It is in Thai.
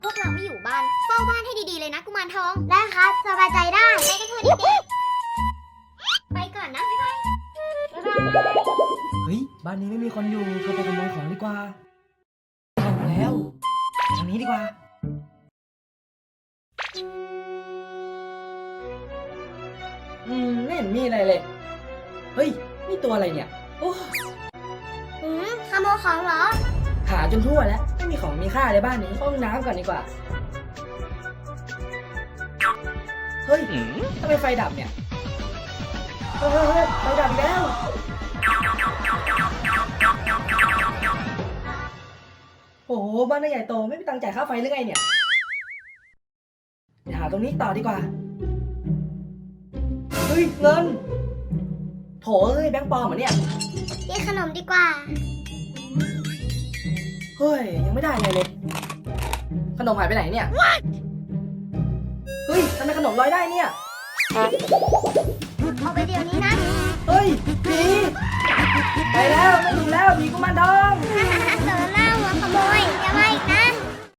พวกเราไม่อยู่บ้านเฝ้าบ้านให้ดีๆเลยนะกุมารทองได้ครับสบายใจได้ไปกันเถอะเด็กๆไปก่อนนะบ๊ายบายบ๊ายบายเฮ้ยบ้านนี้ไม่มีคนอยู่เราไปขโมยของดีกว่าเข้ามาแล้วทางนี้ดีกว่าไม่เห็นมีอะไรเลยเฮ้ยนี่ตัวอะไรเนี่ยโอ้ขโมยของเหรอหาจนทั่วแล้วไม่มีของมีค่าเลยบ้านนี้เข้าห้องน้ำก่อนดีกว่าเฮ้ยทำไมไฟดับเนี่ยเฮ้ยไฟดับอีกแล้วโอ้โหบ้านน่าใหญ่โตไม่มีตังค์จ่ายค่าไฟหรือไงเนี่ยเดี๋ยวหาตรงนี้ต่อดีกว่าเฮ้ยเงินโถเอ้ยแบงค์ปลอมเหรอเนี่ยกินขนมดีกว่าเฮ้ยยังไม่ได้ไงเลยขนมหายไปไหนเนี่ยเฮ้ยทำไมขนมลอยได้เนี่ยเอาไปเดี๋ยวนี้นะเฮ้ยผีไปแล้วไม่อยู่แล้วผีกุมารทอง